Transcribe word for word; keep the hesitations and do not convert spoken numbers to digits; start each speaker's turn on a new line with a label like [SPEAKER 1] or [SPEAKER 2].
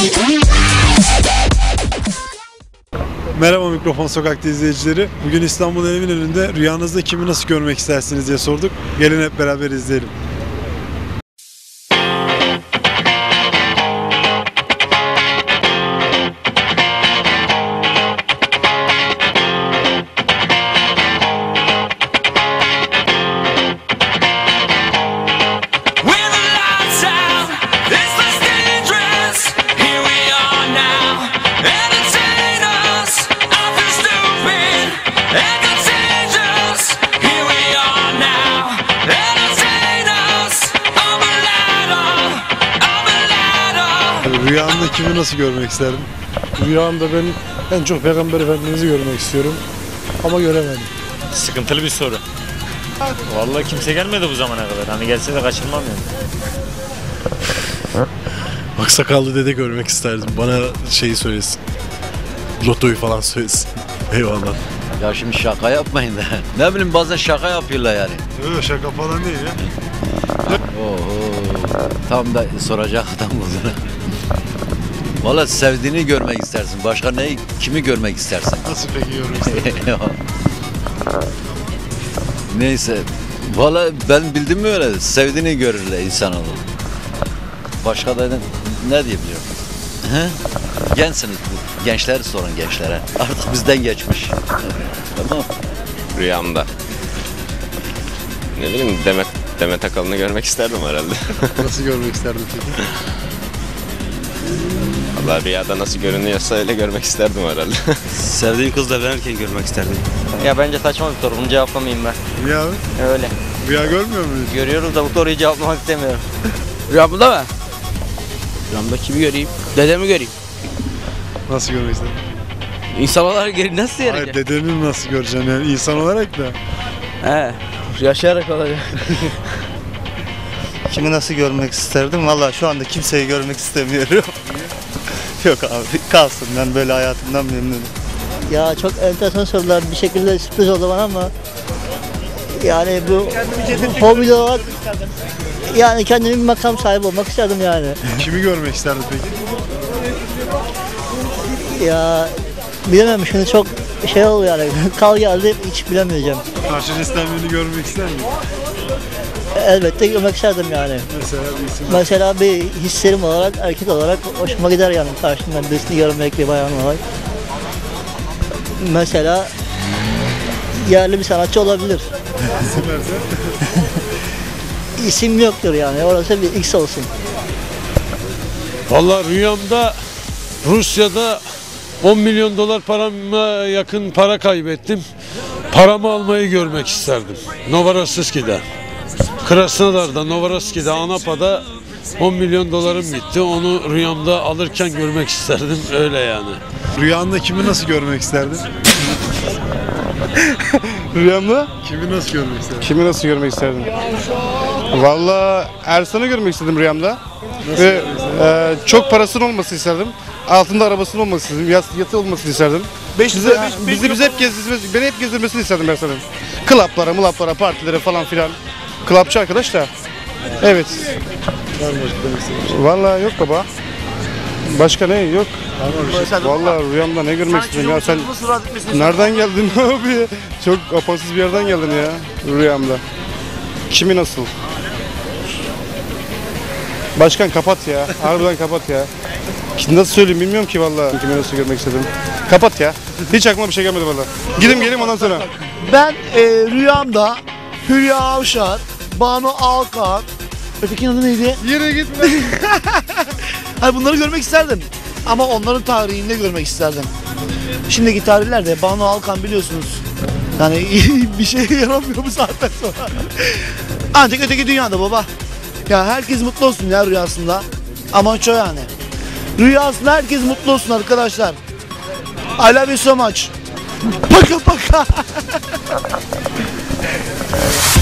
[SPEAKER 1] Merhaba Mikrofon Sokak'ta izleyicileri. Bugün İstanbul Eminönü'nde rüyanızda kimi nasıl görmek istersiniz diye sorduk. Gelin hep beraber izleyelim. Rüyanda kimi nasıl görmek isterdin?
[SPEAKER 2] Rüyamda ben en çok Peygamber Efendimiz'i görmek istiyorum ama göremedim.
[SPEAKER 3] Sıkıntılı bir soru. Vallahi kimse gelmedi bu zamana kadar. Hani gelse de kaçırmam yani.
[SPEAKER 2] Aksakallı dede görmek isterdim. Bana şeyi söylesin. Lotoyu falan söylesin. Eyvallah.
[SPEAKER 4] Ya şimdi şaka yapmayın da. Ne bileyim bazen şaka yapıyorlar yani.
[SPEAKER 1] Yok şaka falan değil ya.
[SPEAKER 4] Oo, tam da soracak adam buldun. Valla sevdiğini görmek istersin. Başka neyi, kimi görmek istersin?
[SPEAKER 1] Nasıl peki görmek isterdin?
[SPEAKER 4] Neyse. Valla ben bildim mi öyle? Sevdiğini görürler insanoğlu. Başka da ne diyebiliyorum? He? Gençsiniz. Gençler sorun gençlere. Artık bizden geçmiş. Tamam.
[SPEAKER 5] Rüyamda. Ne bileyim Demet, Demet Akalın'ı görmek isterdim herhalde.
[SPEAKER 1] Nasıl görmek isterdin peki?
[SPEAKER 5] Vallahi rüyada nasıl görünüyorsa öyle görmek isterdim herhalde.
[SPEAKER 6] Sevdiğim kızla evlenirken görmek isterdim.
[SPEAKER 7] Ya bence saçma bir soru. Bunu cevaplamayayım ben.
[SPEAKER 1] Niye abi?
[SPEAKER 7] Öyle.
[SPEAKER 1] Rüya görmüyor muyuz?
[SPEAKER 7] Görüyoruz da bu soruyu cevaplamak istemiyorum.
[SPEAKER 8] Rüyamda mı? Rüyamda kimi göreyim? Dedemi göreyim.
[SPEAKER 1] Nasıl görmek isterdin?
[SPEAKER 8] İnsan olarak geri nasıl
[SPEAKER 1] Hayır,
[SPEAKER 8] yarayacak?
[SPEAKER 1] dedeni nasıl göreceksin yani insan olarak da.
[SPEAKER 8] He, yaşayarak olacak.
[SPEAKER 9] Kimi nasıl görmek isterdim? Vallahi şu anda kimseyi görmek istemiyorum. Yok abi kalsın, ben böyle hayatımdan memnunum.
[SPEAKER 10] Ya çok enteresan sorular, bir şekilde sürpriz oldu bana ama yani bu hobi olarak yani kendimi bir makam sahibi olmak isterdim yani.
[SPEAKER 1] Kimi görmek isterdin peki?
[SPEAKER 10] Ya bilemem, şimdi çok şey oldu yani, kal geldi, hiç bilemeyeceğim.
[SPEAKER 1] Karşı cinsten birini görmek ister misin?
[SPEAKER 10] Elbette görmek isterdim yani.
[SPEAKER 1] Mesela bir isim.
[SPEAKER 10] Mesela bir hislerim olarak, erkek olarak hoşuma gider yani karşımdan birisini görmek, bir bayan olarak. Mesela yerli bir sanatçı olabilir.
[SPEAKER 1] İsim verse?
[SPEAKER 10] İsim yoktur yani, orası bir X olsun.
[SPEAKER 2] Vallahi rüyamda Rusya'da on milyon dolar parama yakın para kaybettim. Paramı almayı görmek isterdim. Novorossiysk'de. Krasnodar'da, Novorossiysk'de, Anapa'da on milyon dolarım gitti. Onu rüyamda alırken görmek isterdim. Öyle yani.
[SPEAKER 1] Rüyanda kimi nasıl görmek isterdin?
[SPEAKER 2] Rüyamda
[SPEAKER 1] Kimi nasıl görmek isterdin?
[SPEAKER 2] kimi nasıl görmek isterdim? Vallahi Ersan'ı görmek istedim rüyamda. Ve e, çok parasının olmasını isterdim. Altında arabasının olmasını isterdim. Yat, yatı olmasını isterdim. Bizi, bizi, bizi hep gezdirmesi, beni hep gezdirmesini isterdim Ersan'ın. Klaplara, mulaplara, partilere falan filan. Klapçı arkadaş da. Evet.
[SPEAKER 1] Var mı demek istediğin?
[SPEAKER 2] Vallahi yok baba. Başka ne? Yok. Vallahi rüyamda ne görmek istedim ya sen nereden geldin abi? Çok apansız bir yerden geldin ya rüyamda. Kimi nasıl? Başkan kapat ya. Harbiden kapat ya. Şimdi nasıl söyleyeyim bilmiyorum ki vallahi. Kimi nasıl görmek istedim. Kapat ya. Hiç aklıma bir şey gelmedi vallahi. Gidim geleyim ondan sonra.
[SPEAKER 11] Ben e, rüyamda Hülya Avşar, Banu Alkan, ötekinin adı neydi?
[SPEAKER 1] Yere gitme.
[SPEAKER 11] Hayır, bunları görmek isterdim. Ama onların tarihinde görmek isterdim. Şimdiki tarihlerde Banu Alkan biliyorsunuz. Yani bir şey yaramıyor bu saatten sonra. Ancak öteki dünyada baba. Ya herkes mutlu olsun ya rüyasında. Amaç o yani. Rüyasında herkes mutlu olsun arkadaşlar. I love you so much. Paka paka.